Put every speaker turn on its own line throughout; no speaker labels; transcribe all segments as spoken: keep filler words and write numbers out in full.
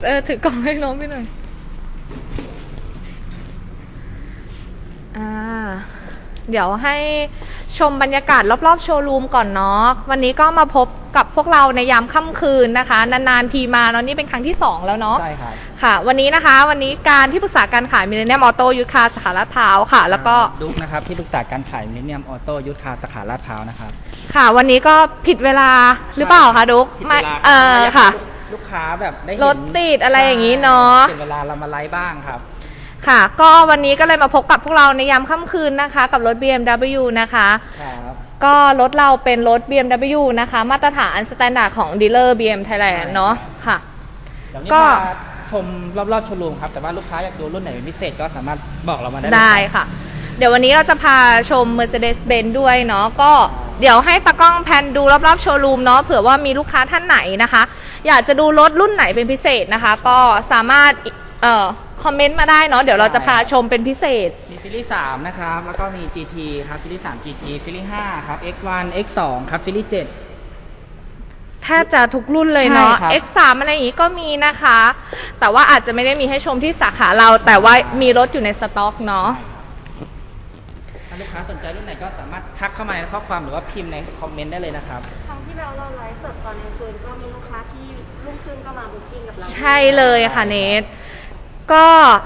เออถือกล่องให้น้องไปหน่อยอ่าเดี๋ยวให้ชมบรรยากาศรอบๆโชว์รูมก่อนเนาะวันนี้ก็มาพบกับพวกเราในยามค่ำคืนนะคะนานๆทีมาเนาะนี่เป็นครั้งที่สองแล้วเนาะ
ใช่ครับ
ค่ะวันนี้นะคะวันนี้การที่ปรึกษาการขายมิลเลนเนียมออโต้ยุทธคาสาขาลาดพร้าวค่ะแล้วก็
ดุ๊กนะครับที่ปรึกษาการขายมิลเลนเนียมออโต้ยุทธคาสาขาลาดพร้าวนะครับ
ค่ะวันนี้ก็ผิดเวลาหรือเปล่าคะดุ๊ก
ไม่
เออค่ะ
ลูกค้าแบบได้
รถติดอะไรอย่างนี้เนาะ
เป็นเวลาเรามาไลฟ์บ้างครับ
ค่ะก็วันนี้ก็เลยมาพบกับพวกเราในยามค่ำคืนนะคะกับรถ บี เอ็ม ดับเบิลยู นะคะ
ครับ
ก็รถเราเป็นรถ บี เอ็ม ดับเบิลยู นะคะมาตรฐานสแตนดาร์ดของดีลเลอร์ บี เอ็ม Thailand เนาะค่ะ
ก็ชมรอบๆโชว์รูมครับแต่ว่าลูกค้าอยากดูรุ่นไหนเป็นพิเศษก็สามารถบอกเรามาได้
ได้ค่ะเดี๋ยววันนี้เราจะพาชม Mercedes-Benz ด้วยเนาะก็เดี๋ยวให้ตากล้องแพนดูรอบๆโชว์รูมเนาะเผื่อว่ามีลูกค้าท่านไหนนะคะอยากจะดูรถรุ่นไหนเป็นพิเศษนะคะก็สามารถเอ่อคอมเมนต์มาได้เนาะเดี๋ยวเราจะพาชมเป็นพิเศษ
มีซีรีส์สามนะครับแล้วก็มี จี ที ครับซีรีส์สาม จี ที ซีรีส์ห้าครับ เอ็กซ์ วัน เอ็กซ์ ทู ครับซีรีส์เจ็ด
แทบจะทุกรุ่นเลยเนาะ เอ็กซ์ ทรี อะไรอย่างนี้ก็มีนะคะแต่ว่าอาจจะไม่ได้มีให้ชมที่สาขาเราแต่ว่ามีรถอยู่ในสต็อกเนาะ
ถ้าลูกค้าสนใจรุ่นไหนก็สามารถทักเข้ามาในข้อความหรือว่าพิมพ์ในคอมเมนต์ได้เลยนะครับ
ครั้งที่เราเราไลฟ์สดตอนกลางคืนก็มีลูกค้าที่รุ่งขึ้นก็มาบุ๊กิ้งกับเรา
ใช่เลยค่ะเนทก็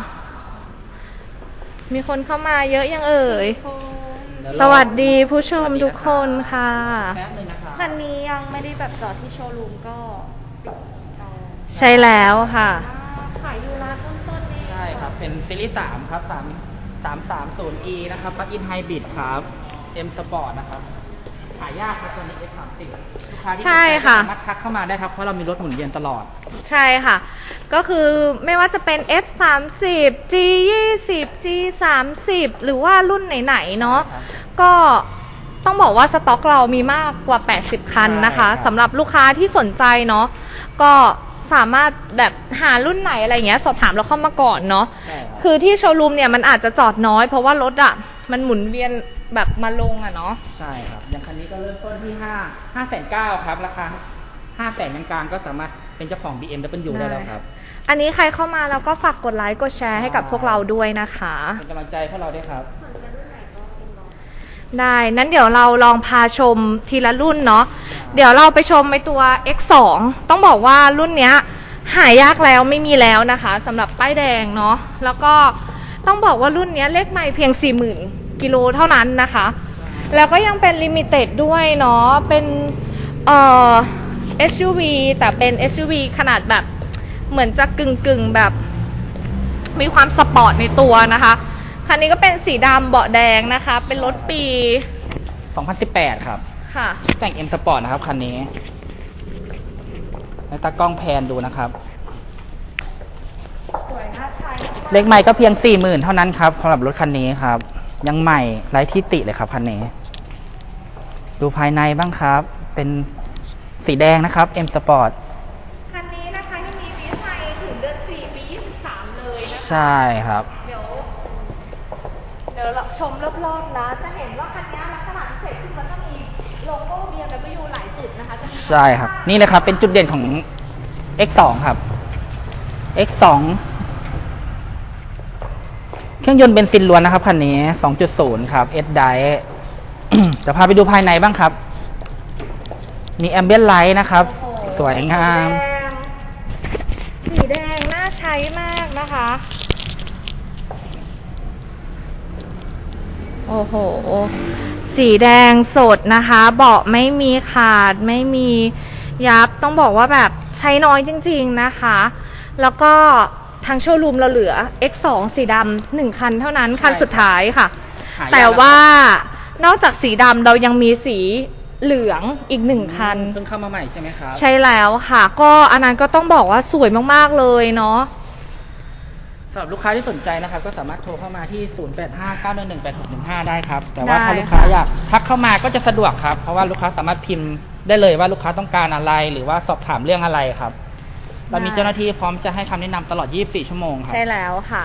มีคนเข้ามาเยอะยังเอ่ยสวัสดีผู้ชมทุกคนค่ะ
คันนี้ยังไม่ได้แบบจอดที่โชว์รูมก็
ใช่แล้วค่ะ
ขายอยู่ร้านต้นๆนี่
ใช่ครับเป็นซีรีส์สามครับสาม สามสามศูนย์ อี นะครับปลั๊กอินไฮบริดครับ M Sport นะครับหายากครับตัวนี้ เอ็กซ์ สามสิบ ลูกค้าที่สามารถทักเข้ามาได้ครับเพราะเรามีรถหมุนเวียนตลอด
ใช่ค่ะก็คือไม่ว่าจะเป็น เอฟ สามสิบ จี ยี่สิบ จี สามสิบ หรือว่ารุ่นไหนๆเนาะก็ต้องบอกว่าสต็อกเรามีมากกว่าแปดสิบคันนะคะสำหรับลูกค้าที่สนใจเนาะก็สามารถแบบหารุ่นไหนอะไรเงี้ยสอบถามเราเข้ามาก่อนเนาะคือที่โชว์รูมเนี่ยมันอาจจะจอดน้อยเพราะว่ารถอ่ะมันหมุนเวียนแบบมาลงอ่ะเนาะ
ใช่ครับอย่างคันนี้ก็เริ่มต้นที่ห้า ห้าแสนเก้าครับราคาห้าแสนกลางๆก็สามารถเป็นเจ้าของ บี เอ็ม ดับเบิลยู ได้แล้วครับ
อันนี้ใครเข้ามาแล้วก็ฝากกดไลค์กดแชร์ให้กับพวกเราด้วยนะคะ
เป็นกำลังใจพวกเราด้วยครับ
ได้นั้นเดี๋ยวเราลองพาชมทีละรุ่นเนาะเดี๋ยวเราไปชมในตัว เอ็กซ์ สอง ต้องบอกว่ารุ่นเนี้ยหายากแล้วไม่มีแล้วนะคะสำหรับป้ายแดงเนาะแล้วก็ต้องบอกว่ารุ่นนี้เลขไมล์เพียง สี่หมื่น กิโลเท่านั้นนะคะแล้วก็ยังเป็นลิมิเต็ดด้วยเนาะเป็นเอ่อ เอส ยู วี แต่เป็น เอส ยู วี ขนาดแบบเหมือนจะกึ่งกึ่งแบบมีความสปอร์ตในตัวนะคะคันนี้ก็เป็นสีดำเบาะแดงนะคะเป็นรถปี
สองพันสิบแปดครับ
ค่ะ
แต่ง M Sport นะครับคันนี้ให้ตากล้องแพนดูนะครับ
สวยน่าใช้
เลขใหม่ก็เพียง สี่หมื่น เท่านั้นครับสำหรับรถคันนี้ครับยังใหม่ไร้ที่ติเลยครับคันนี้ดูภายในบ้างครับเป็นสีแดงนะครับ M Sport
คันนี้นะคะยังมีวีไซถึงเดือนสี่ปียี่สิบสามเลยนะคะ
ใช่ครับ
เดี๋ยวเดี๋ยวเราชมรอบๆนะจะเห็นว่าคันนี้ลักษณะพิเศษคือมันจะมีโลโก้ บี เอ็ม ดับเบิลยู หลายจุดนะคะ
ใช่ครับนี่เลยครับเป็นจุดเด่นของ เอ็กซ์ สอง ครับ เอ็กซ์ สอง เครื่องยนต์เบนซินล้วนนะครับคันนี้ สองจุดศูนย์ ครับ S-Drive จะพาไปดูภายในบ้างครับมีแอมเบียนไลท์นะครับสวยงาม
สีแดงน่าใช้มากนะคะโอ้โหสีแดงสดนะคะเบาะไม่มีขาดไม่มียับต้องบอกว่าแบบใช้น้อยจริงๆนะคะแล้วก็ทางโชว์รูมเราเหลือ เอ็กซ์ สอง สีดำหนึ่งคันเท่านั้นคันสุดท้ายค่ะแต่ว่านอกจากสีดำเรายังมีสีเหลืองอีกหนึ่งคัน
เพิ่งเข้ามาใหม่ใช่ไหมครับ
ใช่แล้วค่ะก็อันนั้นก็ต้องบอกว่าสวยมากๆเลยเนาะ
สำหรับลูกค้าที่สนใจนะครับก็สามารถโทรเข้ามาที่ ศูนย์ แปด ห้า เก้า หนึ่ง หนึ่ง แปด หก หนึ่ง ห้า ได้ครับแต่ว่าถ้าลูกค้าอยากทักเข้ามาก็จะสะดวกครับเพราะว่าลูกค้าสามารถพิมพ์ได้เลยว่าลูกค้าต้องการอะไรหรือว่าสอบถามเรื่องอะไรครับเรามีเจ้าหน้าที่พร้อมจะให้คำแนะนำตลอดยี่สิบสี่ชั่วโมงครับ
ใช่แล้วค่ะ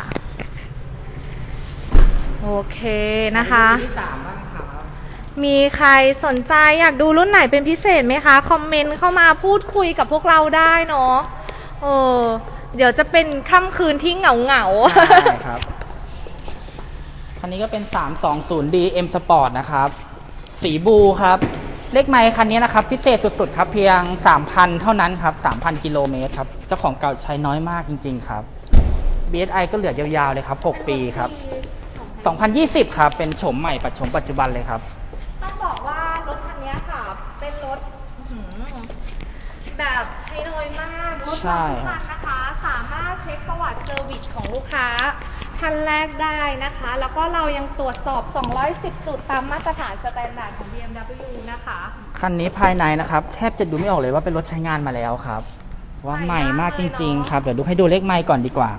โอเคนะคะ
ที่สามบ้างครับ
มีใครสนใจอยากดูรุ่นไหนเป็นพิเศษไหมคะคอมเมนต์เข้ามาพูดคุยกับพวกเราได้เนาะเออเดี๋ยวจะเป็นค่ำคืนที่เหงาเหงาๆ
ใช่ครับ คันนี้ก็เป็น สามสองศูนย์ดี M Sport นะครับ สีบลูครับ เลขไมล์คันนี้นะครับ พิเศษสุดๆครับ เพียง สามพัน เท่านั้นครับ สามพัน กิโลเมตรครับ เจ้าของเก่าใช้น้อยมากจริงๆครับ บี เอส ไอ ก็เหลือยาวๆเลยครับ หก ปีครับ สองพันยี่สิบ ครับ เป็นโฉมใหม่ปัจจุบันปัจจุบันเลยครับ
ต้องบอกว่ารถคันนี้ค่ะ เป็นรถอื้อหือแบบใช้น้อยมากรถ
ใช่
ทุกคันนะคะ สามารถเช็คประวัติเซอร์วิสของลูกค้าท่านแรกได้นะคะ แล้วก็เรายังตรวจสอบ สองร้อยสิบ จุดตามมาตรฐานสแตนดาร์ดของ บี เอ็ม ดับเบิลยู นะคะ
คันนี้ภายในนะครับ แทบจะดูไม่ออกเลยว่าเป็นรถใช้งานมาแล้วครับ ว่าใหม่มากจริงๆครับ เดี๋ยวดูให้ดูเลขไมล์ก่อนดีกว่า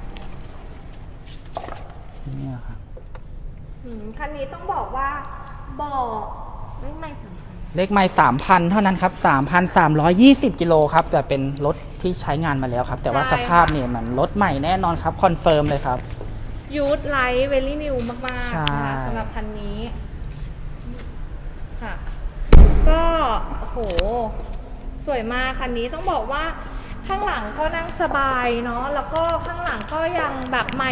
เนี่ยครับ
อืมคันนี้ต้องบอกว่าบอกไม่ไม่สำคัญ
เลขไมล์สามพัน เท่านั้นครับ สามพันสามร้อยยี่สิบ กิโลครับ แต่เป็นรถที่ใช้งานมาแล้วครับ แต่ว่า
ใช่
สภาพเนี่ยมันรถใหม่แน่นอนครับ คอนเฟิร์มเลยครับ
ยูทไลท์เวลี่นิวมาก
ใช่
ๆนะคะสำหรับคันนี้ค่ะ ก็โอ้โห สวยมากคันนี้ต้องบอกว่าข้างหลังก็นั่งสบายเนาะแล้วก็ข้างหลังก็ยังแบบใหม่